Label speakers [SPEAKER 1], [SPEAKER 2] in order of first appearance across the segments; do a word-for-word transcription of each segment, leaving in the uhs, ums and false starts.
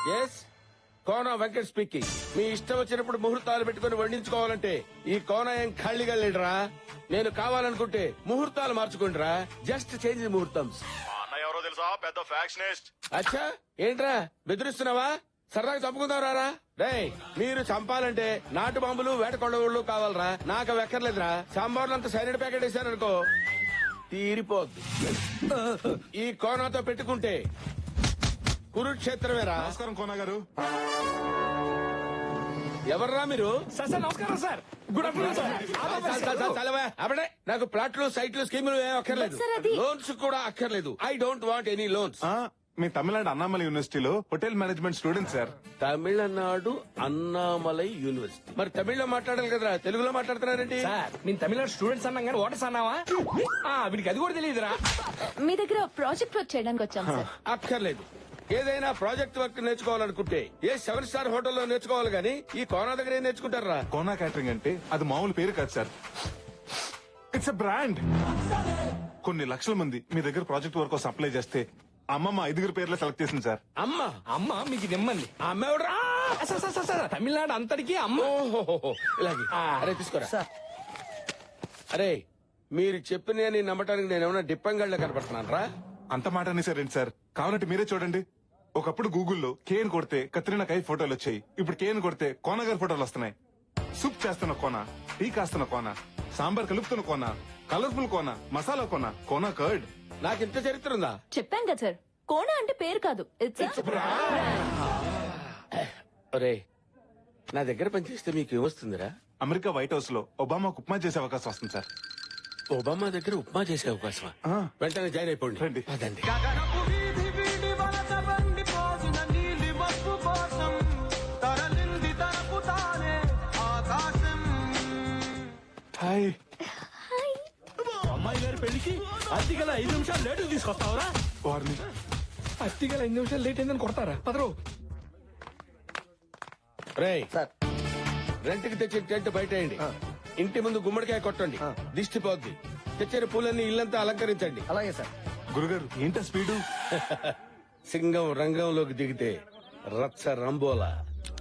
[SPEAKER 1] Yes Kona Venkat speaking. మీ ఇష్టం వచ్చినప్పుడు ముహూర్తాలు పెట్టుకుని వండించుకోవాలంటే ఈ కోనా ఏం ఖాళీగా లేడరా. నేను కావాలనుకుంటే ముహూర్తాలు మార్చుకుంటారా. జస్ట్ చేంజ్ ముహూర్తం.
[SPEAKER 2] ఎవరో తెలుసా, పెద్ద ఫ్యాక్షనిస్ట్.
[SPEAKER 1] అచ్చా ఏంట్రా బెదిరిస్తున్నావా? సరదాగా చంపుకుందాం రారా. రేయ్ మీరు చంపాలంటే నాటు బాంబులు వేట కొండవుళ్ళు కావాలరా. నాకు అవి ఎక్కర్లేదురా. సాంబార్లు అంత సైనిడ్ ప్యాకెట్ వేసారనుకో తీరిపోద్ది. ఈ కోనాతో పెట్టుకుంటే కురుక్షేత్రమేరా.
[SPEAKER 2] నమస్కారం కోనా గారు.
[SPEAKER 1] ఎవర్రా మీరు?
[SPEAKER 3] సార్ సార్ నమస్కారం సార్. Good afternoon sir.
[SPEAKER 1] చలవా అప్పుడే నాకు ప్లాట్లు సైట్లు స్కీములు ఏం అక్కర్లేదు.
[SPEAKER 4] సార్, అది-
[SPEAKER 1] లోన్స్ కూడా అక్కర్లేదు. I don't want any loans.
[SPEAKER 2] ఆ, మీ తమిళనాడు అన్నామలై యూనివర్సిటీలో hotel management student sir.
[SPEAKER 1] Tamil Nadu Annamalai university. మరి తమిళ్లో మాట్లాడాలి కదరా, తెలుగులో మాట్లాడుతున్నారండి.
[SPEAKER 3] సార్ నేను తమిళనాడు స్టూడెంట్స్ అన్నాం కానీ ఓటర్స్ అన్నావా? ఆ, వీడికి అది కూడా తెలియదురా.
[SPEAKER 4] మీ దగ్గర ప్రాజెక్ట్ వర్క్ చేయడానికి వచ్చాం సార్.
[SPEAKER 1] అక్కర్లేదు. ఏదైనా ప్రాజెక్ట్ వర్క్ నేర్చుకోవాలనుకుంటే ఏ సెవెన్ స్టార్ హోటల్లో నేర్చుకోవాలి గానీ ఈ కోనా దగ్గర ఏం నేర్చుకుంటారా?
[SPEAKER 2] కోనా క్యాటరింగ్ అంటే అది మామూలు పేరు కాదు సార్. It's a brand. కొన్ని లక్షల మంది మీ దగ్గర ప్రాజెక్ట్ వర్క్ కోసం అప్లై చేస్తే అమ్మమ్మ ఐదుగురు పేర్లు సెలెక్ట్ చేసింది సార్.
[SPEAKER 1] అమ్మ
[SPEAKER 3] అమ్మ మీకు నిమ్మంది.
[SPEAKER 1] ఆ అమ్మ ఎవడ్రా?
[SPEAKER 3] Sir sir sir sir Tamil Nadu అంతటికి అమ్మ.
[SPEAKER 1] ఓహోహోహో, ఇలాగే. అరే తీసుకోరా. అరే మీరు చెప్పిన నమ్మటానికి నేను ఏమైనా డిప్పంగళ్ళ కనపడుతున్నాను రా.
[SPEAKER 2] అంత మాట అనేసారండి సార్. కావాలంటే మీరే చూడండి. ఒకప్పుడు గూగుల్లో కేన్ కొడితే కత్రినా కై ఫోటోలు వచ్చాయి. ఇప్పుడు కేన్ కొడితే కోన గారి ఫోటోలు వస్తున్నాయి. సూప్ చేస్తున్న కోన, టీ కాస్తున్న కోన, సాంబార్ కలుపుతున్న కోన, కలర్ఫుల్ కోన, మసాలా కోన, కోన కర్డ్.
[SPEAKER 1] నాకు ఇంత చరిత్ర ఉందా?
[SPEAKER 4] చెప్పాం కదా సార్, కోనా అంటే పేరు కాదు, ఇట్స్
[SPEAKER 1] ఒరే నా దగ్గర పనిచేస్తే మీకు ఏమొస్తుందిరా?
[SPEAKER 2] అమెరికా వైట్ హౌస్ లో ఒబామాకు ఉప్మా చేసే అవకాశం వస్తుంది సార్.
[SPEAKER 1] ఒబామా దగ్గర ఉప్మా చేసే అవకాశమా?
[SPEAKER 2] ఆ.
[SPEAKER 1] వెంటనే జాయిన్ అయిపోండి.
[SPEAKER 2] రండి.
[SPEAKER 1] అదండి.
[SPEAKER 2] హాయ్.
[SPEAKER 3] అమ్మాయి గారి పెళ్లికి అత్తిగల ఐదు నిమిషాలు లేటు తీసుకొస్తావరా?
[SPEAKER 2] వారిని
[SPEAKER 3] అత్తిగల ఐదు నిమిషాలు లేట్ అయిందని కొడతారా? పదరు.
[SPEAKER 1] రేయ్ రెంట్ కి తెచ్చిన టెంట్ బయట వేయండి. ఇంటి ముందు గుమ్మడికాయ కొట్టండి, దిష్టి పోద్ది. తెచ్చిన పూలన్నీ ఇల్లంతా అలంకరించండి.
[SPEAKER 3] అలాగే సార్.
[SPEAKER 2] గురుగారు ఏంటో స్పీడు.
[SPEAKER 1] సింగం రంగంలోకి దిగితే రచ్చ రంబోలా.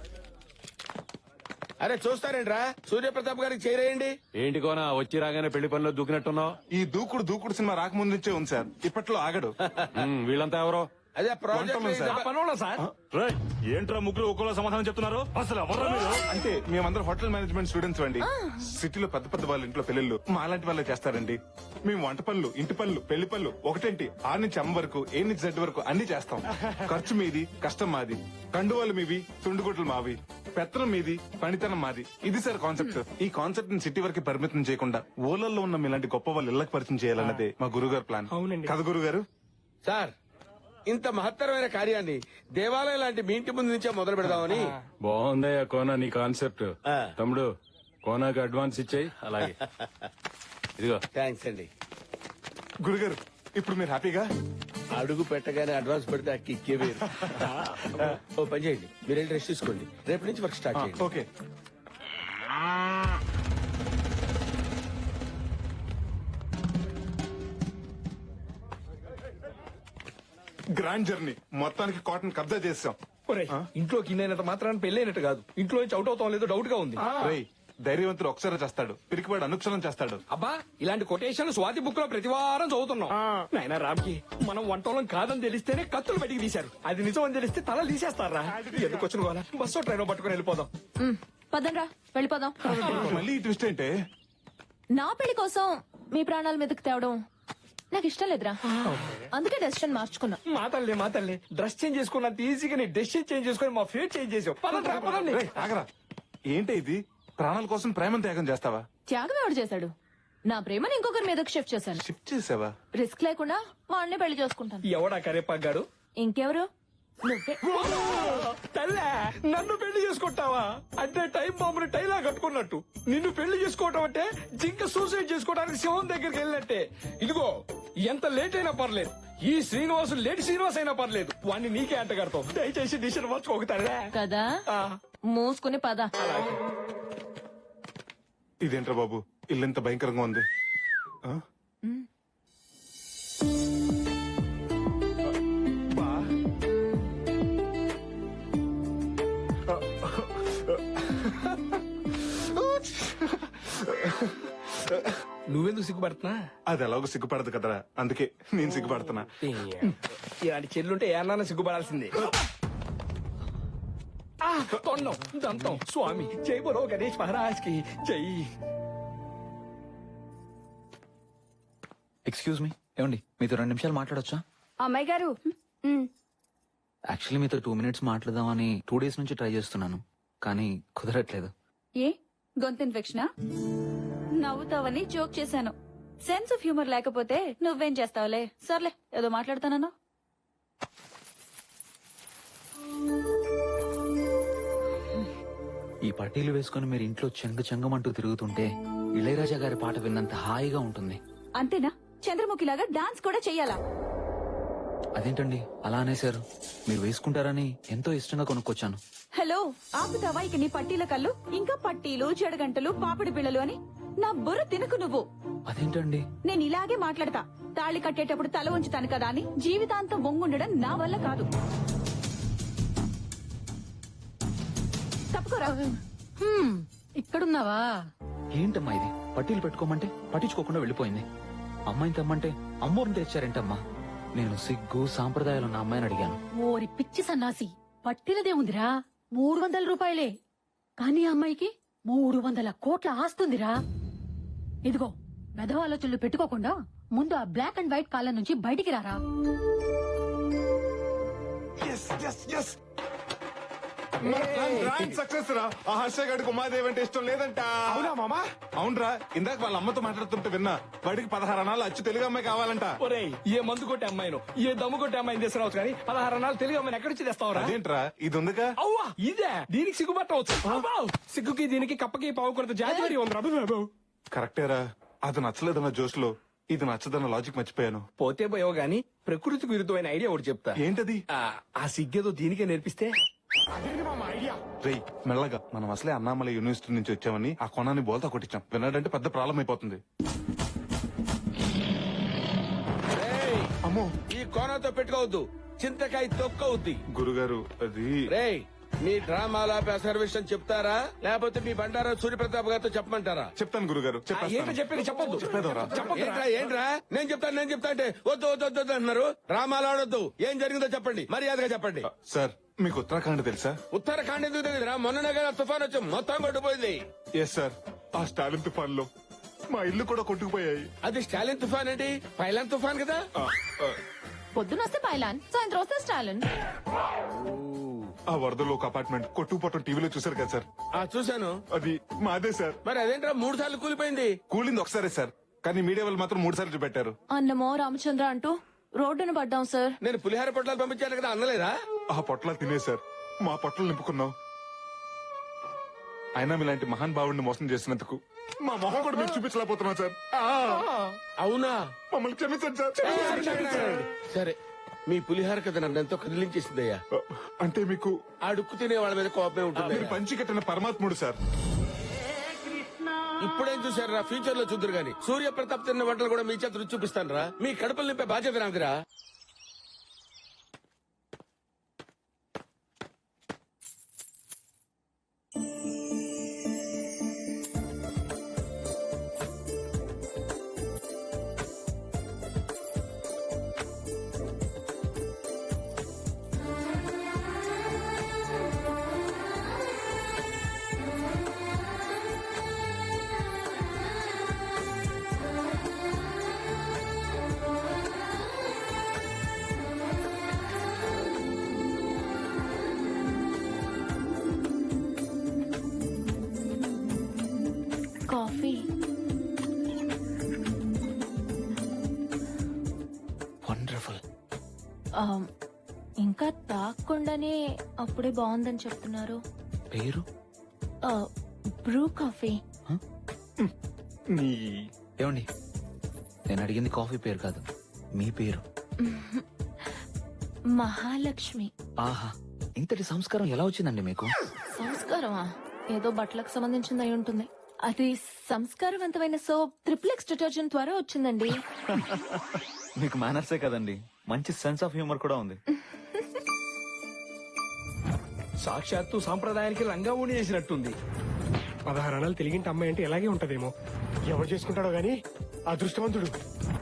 [SPEAKER 1] అరే చూస్తారేంట్రా, సూర్యప్రతాప్ గారికి చేరేయండి.
[SPEAKER 5] ఏంటి కోనా వచ్చి రాగానే పెళ్లి పనిలో దూకినట్టున్నావు?
[SPEAKER 2] ఈ దూకుడు దూకుడు సినిమా రాకముందు నుంచే ఉంది సార్. ఇప్పట్లో ఆగడు.
[SPEAKER 5] ఉమ్, వీళ్ళంతా ఎవరో?
[SPEAKER 1] అదే
[SPEAKER 2] వంటలు సార్.
[SPEAKER 1] ప్రాజెక్ట్.
[SPEAKER 3] పనున్నా సార్.
[SPEAKER 5] రేయ్, ఏంట్రా ముగ్గురు ఒక్కోలా సమాధానం చెప్తున్నారు? అసలు ఎవర్రా మీరు?
[SPEAKER 2] అంటే మేమందరం హోటల్ మేనేజ్మెంట్ స్టూడెంట్స్ అండి. సిటీలో పెద్ద పెద్ద వాళ్ళ ఇంట్లో పెళ్లిళ్ళు మా అలాంటి వాళ్ళే చేస్తారండి. మేము వంట పనులు, ఇంటి పనులు, పెళ్లి పనులు ఒకటేంటి ఆరు నుంచి అమ్మ వరకు, ఏ నుంచి జెడ్ వరకు అన్ని చేస్తాం. ఖర్చు మీది, కష్టం మాది. కండువాలు మీవి, తుండుగుట్లు మావి. పెత్తనం మీది, పనితనం మాది. ఇది సార్ కాన్సెప్ట్. ఈ కాన్సెప్ట్ ని సిటీ వరకు పరిమితం చేయకుండా ఊళ్ళల్లో ఉన్న మీలాంటి గొప్ప వాళ్ళు ఇళ్లకు పరిచయం చేయాలన్నదే మా గురుగారు ప్లాన్.
[SPEAKER 3] అవునండి.
[SPEAKER 2] కదా గురుగారు?
[SPEAKER 1] సార్ ఇంత మహత్తరమైన కార్యాన్ని దేవాలయం లాంటి మీ ఇంటి ముందు నుంచే మొదలు పెడదామని.
[SPEAKER 5] బాగుందయ్యా కోనా నీ కాన్సెప్ట్.
[SPEAKER 1] ఆ.
[SPEAKER 5] తమ్ముడు కోనాకి అడ్వాన్స్ ఇచ్చేయి. అలాగే ఇదిగో.
[SPEAKER 1] థ్యాంక్స్ అండి.
[SPEAKER 2] గురుగారు ఇప్పుడు మీరు హ్యాపీగా?
[SPEAKER 1] అడుగు పెట్టగానే అడ్వాన్స్ పెడితే అక్కి ఇక్కే వేరు. ఓ పని చేయండి, మీరు వెళ్ళి రెస్ట్ తీసుకోండి. రేపు నుంచి వర్క్ స్టార్ట్ చేయండి.
[SPEAKER 2] ఓకే. గ్రాండ్ జర్నీ మొత్తానికి కాటన్ కబ్జా చేసాం.
[SPEAKER 3] ఒరేయ్, ఇంట్లోకి ఇన్నైనంత మాత్రాన్ని పెళ్ళైనట్టు కాదు. ఇంట్లో నుంచి అవుట్ అవుతాం లేదో డౌట్ గా ఉంది.
[SPEAKER 2] రేయ్ ధైర్యవంతుడు ఒకసారి చేస్తాడు, పిరికివాడు అనుక్షణం చేస్తాడు.
[SPEAKER 3] అబ్బా ఇలాంటి కొటేషన్ స్వాతి బుక్ లో ప్రతి వారం చదువుతున్నాం. నాయనా రామ్కి మనం వంటోళం కాదని తెలిస్తేనే కత్తులు బయటికి తీశారు. అది నిజం అని తెలిస్తే తల తీసేస్తారా? ఎందుకు వచ్చిన వాళ్ళ బస్సు ట్రైన్ పట్టుకుని వెళ్ళిపోదాం.
[SPEAKER 4] పదండ్రా వెళ్ళిపోదాం.
[SPEAKER 2] మళ్ళీ ఈ ట్విస్ట్ ఏంటే?
[SPEAKER 4] నా పెళ్లి కోసం మీ ప్రాణాల మీదకి తేవడం నాకు ఇష్టం లేదురా. అందుకే డెసిషన్ మార్చుకున్నా.
[SPEAKER 3] మా తల్లి మా తల్లి డ్రెస్ చేంజ్ చేసుకున్నంత ఈజీగా నీ డెసిషన్ చేంజ్ చేసుకుని మా ఫేట్ చేంజ్ చేసావు. పదండి రా, పదండి.
[SPEAKER 2] రేయ్, ఆగరా. ఏంటి ఇది? ప్రాణాల కోసం ప్రేమను త్యాగం చేస్తావా?
[SPEAKER 4] త్యాగం ఎవడు చేశాడు? నా ప్రేమను ఇంకొకరి మీదకి షిఫ్ట్ చేశాను.
[SPEAKER 2] షిఫ్ట్ చేసావా?
[SPEAKER 4] రిస్క్ లేకుండా వాడిని పెళ్లి చేసుకుంటాను.
[SPEAKER 3] ఎవడా కరేపాగాడు?
[SPEAKER 4] ఇంకెవరు? నువ్వే.
[SPEAKER 3] తల్లే నన్ను పెళ్లి చేసుకుంటావా? అంటే టైం బాంబుని టైలా కట్టుకున్నట్టు నిన్ను పెళ్లి చేసుకోవటం అంటే జింక సూసైడ్ చేసుకోవడానికి శివం దగ్గరికి వెళ్ళినట్టే. ఇదిగో ఎంత లేట్ అయినా పర్లేదు, ఈ శ్రీనివాసు లేట్ శ్రీనివాస్ అయినా పర్లేదు, వాడిని నీకే అంట కడతావు. దయచేసి డిసిషన్ మార్చుకోగలే
[SPEAKER 4] కదా మూసుకుని పద.
[SPEAKER 2] ఇదేంట్రా బాబు ఇల్లు ఎంత భయంకరంగా ఉంది. ఆ? బా
[SPEAKER 3] నువ్వెందుకు సిగ్గుపడుతున్నా?
[SPEAKER 2] అది ఎలాగో సిగ్గుపడదు కదరా, అందుకే నేను సిగ్గుపడుతున్నా.
[SPEAKER 3] ఇలాంటి చెల్లుంటే ఏమన్నా సిగ్గుపడాల్సిందే. ఆ, తొండం దంతం స్వామి జై బోలో గణేష్ మహారాజ్ కి జై.
[SPEAKER 6] ఎక్స్క్యూజ్ మీ, ఏమండి మీతో రెండు నిమిషాలు మాట్లాడొచ్చా?
[SPEAKER 7] అమ్మాయి గారు
[SPEAKER 6] యాక్చువల్లీ మీతో టూ మినిట్స్ మాట్లాడదామని టూ డేస్ నుంచి ట్రై చేస్తున్నాను, కానీ కుదరట్లేదు.
[SPEAKER 7] ఏ గొంతు ఇన్ఫెక్షనా? నవ్వుతావని జోక్ చేశాను. సెన్స్ ఆఫ్ హ్యూమర్ లేకపోతే నువ్వేం చేస్తావులే. సర్లే ఏదో మాట్లాడతానన్నా.
[SPEAKER 6] ఈ పట్టీలు వేసుకుని మీరు ఇంట్లో చెంగ చెంగమంటూ తిరుగుతుంటే ఇళయరాజా గారి పాట విన్నంత హాయిగా ఉంటుంది.
[SPEAKER 7] అంతేనా? చంద్రముఖిలాగా డాన్స్ కూడా చెయ్యాలా?
[SPEAKER 6] అదేంటండి అలా అనేశారు? మీరు వేసుకుంటారని ఎంతో ఇష్టంగా కొనుక్కొచ్చాను.
[SPEAKER 7] హలో, ఆపుతావా ఇక నీ పట్టీల కళ్ళు? ఇంకా పట్టీలు, చెడగంటలు, పాపిడి పిల్లలు అని నా బుర్ర తినకు నువ్వు.
[SPEAKER 6] అదేంటండి?
[SPEAKER 7] నేను ఇలాగే మాట్లాడతా. తాళి కట్టేటప్పుడు తల ఉంచుతాను కదా అని జీవితాంతం వంగుండడం నా వల్ల కాదు. తప్పుకోరా.
[SPEAKER 8] ఇక్కడున్నావా?
[SPEAKER 6] ఏంటమ్మా ఇది? పట్టీలు పెట్టుకోమంటే పట్టించుకోకుండా వెళ్ళిపోయింది. అమ్మాయిని తెమ్మంటే అమ్మోరిని తెచ్చారేంటమ్మా? నేను సిగ్గు సాంప్రదాయాలు ఉన్న అమ్మాయిని అడిగాను.
[SPEAKER 8] ఓరి పిచ్చి సన్నాసి, పట్టినదే ఉందిరా మూడు వందల రూపాయలే, కానీ ఆ అమ్మాయికి మూడు వందల కోట్ల ఆస్తుందిరా. ఇదిగో మెదవ ఆలోచనలు పెట్టుకోకుండా ముందు ఆ బ్లాక్ అండ్ వైట్ కాలం నుంచి బయటికి రారా.
[SPEAKER 2] Yes, yes, yes. మన ప్లాన్ గ్రాండ్ సక్సెస్ రా. ఆ హర్ష గడికి ఉమాదేవి అంటే ఇష్టం లేదంట.
[SPEAKER 3] అవునా మామా?
[SPEAKER 2] అవునరా, ఇందాక వాళ్ళ అమ్మతో మాట్లాడుతుంటే విన్నా. వాడికి పదహారు అనాలు అచ్చు తెలుగు అమ్మాయి కావాలంట.
[SPEAKER 3] ఒరేయ్, ఏ మందు కొట్టే అమ్మాయిను ఏ దమ్ము కొట్టే అమ్మాయిని తీసుకురావచ్చు, కానీ పదహారు నాలుగు తెలుగు అమ్మాయిని ఎక్కడి నుంచి తెస్తావురా?
[SPEAKER 2] అదేంట్రా, ఇది ఉందిగా.
[SPEAKER 3] అవ్వా ఇదే దీనికి సిగ్గుపట్టవచ్చు. అబ్బా, సిగ్గుకి దీనికి కప్పకి పావు కొరత జాతి ఉంది.
[SPEAKER 2] కరెక్టేరా, అది నచ్చలేదన్న జోష్ లో ఇది నచ్చదన్న లాజిక్ మర్చిపోయాను.
[SPEAKER 3] పోతే పోయావు గాని ప్రకృతికి విరుద్ధమైన ఐడియా ఒకటి చెప్తా.
[SPEAKER 2] ఏంటది?
[SPEAKER 3] ఆ, ఆ సిగ్గేదో దీనికే నేర్పిస్తే.
[SPEAKER 2] రేయ్ మెల్లగా, మనం అసలే అన్నామలై యూనివర్సిటీ నుంచి వచ్చామని ఆ కొనాన్ని బోల్తా కొట్టించాం. విన్నాడంటే పెద్ద ప్రాబ్లం అయిపోతుంది.
[SPEAKER 1] రేయ్,
[SPEAKER 2] అమ్మో
[SPEAKER 1] ఈ కోనతో పెట్టుకోవద్దు, చింతకాయ తొక్కవుద్ది.
[SPEAKER 2] గురుగారు, అది
[SPEAKER 1] రేయ్, మీ డ్రామాల విషయం చెప్తారా లేకపోతే మీ బండారా సూర్యప్రతాప్ గారితో చెప్పమంటారా?
[SPEAKER 2] చెప్తాను గురుగారు,
[SPEAKER 3] ఏంటో
[SPEAKER 2] చెప్పేస్తాను.
[SPEAKER 3] చెప్పేది చెప్పొద్దు.
[SPEAKER 2] చెప్పేదోరా?
[SPEAKER 1] ఏంట్రా ఏంట్రా నేను చెప్తాను నేను చెప్తా అంటే వద్దు వద్దు వద్దు వద్దు అంటున్నారు. డ్రామాలు ఆడొద్దు, ఏం జరిగిందో చెప్పండి, మర్యాదగా చెప్పండి.
[SPEAKER 2] సార్, మీకు ఉత్తరాఖండ్ తెలుసా?
[SPEAKER 1] ఉత్తరాఖండ్ ఎందుకు తెలియదురా? మొన్ననే కదా తుఫాన్ వచ్చి మొత్తం కొట్టుపోయింది.
[SPEAKER 2] ఎస్ సార్, ఆ స్టాలిన్ తుఫాన్ లో మా ఇల్లు కూడా కొట్టుకుపోయాయి.
[SPEAKER 1] అది స్టాలిన్ తుఫాన్ ఏంటి, పైలాన్ తుఫాన్ కదా.
[SPEAKER 2] ఆ, ఆ,
[SPEAKER 4] పొద్దున వస్తే పైలాన్, సాయంత్రం వస్తే స్టాలిన్.
[SPEAKER 2] ఆ వరదలో ఒక అపార్ట్మెంట్ కొట్టుకుపోవటం టీవీలో చూసారు కదా సార్?
[SPEAKER 1] ఆ చూశాను.
[SPEAKER 2] అది మాదే సార్.
[SPEAKER 1] మరి అదేంట్రా మూడు సార్లు కూలిపోయింది?
[SPEAKER 2] కూలింది ఒకసారే సార్, కానీ మీడియా వాళ్ళు మాత్రం మూడు సార్లు చూపెట్టారు.
[SPEAKER 4] అన్నమో రామచంద్ర అంటూ రోడ్డును పడ్డాం సార్.
[SPEAKER 1] నేను పులిహార పొట్లాలు పంపించాను కదా, అన్నలేదా?
[SPEAKER 2] ఆ పొట్లాలు తినే సార్ మా పొట్టలు నింపుకున్నాం. అయినా మీలాంటి మహాన్ భావుడిని మోసం చేసినందుకు మా మొహం కూడా మీకు చూపించలేకపోతున్నాం సార్. ఆ,
[SPEAKER 1] అవునా?
[SPEAKER 2] మమ్మల్ని క్షమించండి సార్, క్షమించండి, క్షమించండి.
[SPEAKER 1] సరే, మీ పులిహార కథ నన్ను ఎంతో కదిలించేసిందయ్యా.
[SPEAKER 2] అంటే మీకు
[SPEAKER 1] ఆ డుక్కు తినే వాళ్ళ మీద కోపమే ఉంటుంది.
[SPEAKER 2] మీరు పంచి కట్టిన పరమాత్ముడు సార్.
[SPEAKER 1] ఇప్పుడేం చూసారా, ఫ్యూచర్ లో చూద్దరు గాని సూర్య ప్రతాప్ తిన్న వంటలు కూడా మీ చేత రుచి చూపిస్తాను రా. మీ కడుపులు నింపే బాధ్యత నాదిరా.
[SPEAKER 4] కాఫీ.
[SPEAKER 6] వండర్ఫుల్.
[SPEAKER 4] ఆ, ఇంకా తాగకుండానే అప్పుడే బాగుందని చెప్తున్నారు.
[SPEAKER 6] పేరు?
[SPEAKER 4] ఆ, బ్రూ కాఫీ.
[SPEAKER 2] నీ
[SPEAKER 6] ఏమండి, నేను అడిగింది కాఫీ పేరు కాదు, మీ పేరు.
[SPEAKER 4] మహాలక్ష్మి.
[SPEAKER 6] ఆహా, ఇంతటి సంస్కారం ఎలా వచ్చిందండి మీకు?
[SPEAKER 4] సంస్కారమా? ఏదో బట్టలకు సంబంధించింది అయి ఉంటుంది. అది సంస్కారవంతమైన సోప్ ట్రిపుల్ ఎక్స్ డిటర్జెంట్ ద్వారా వచ్చిందండి.
[SPEAKER 6] మీకు మేనర్సే కదండి, మంచి సెన్స్ ఆఫ్ హ్యూమర్ కూడా ఉంది.
[SPEAKER 3] సాక్షాత్తు సాంప్రదాయానికి రంగా ఊడి చేసినట్టుంది.
[SPEAKER 9] పదహారు అణాలు తెలిగింటి అమ్మాయి అంటే ఇలాగే ఉంటదేమో. ఎవరు చేసుకుంటాడో గాని అదృష్టవంతుడు.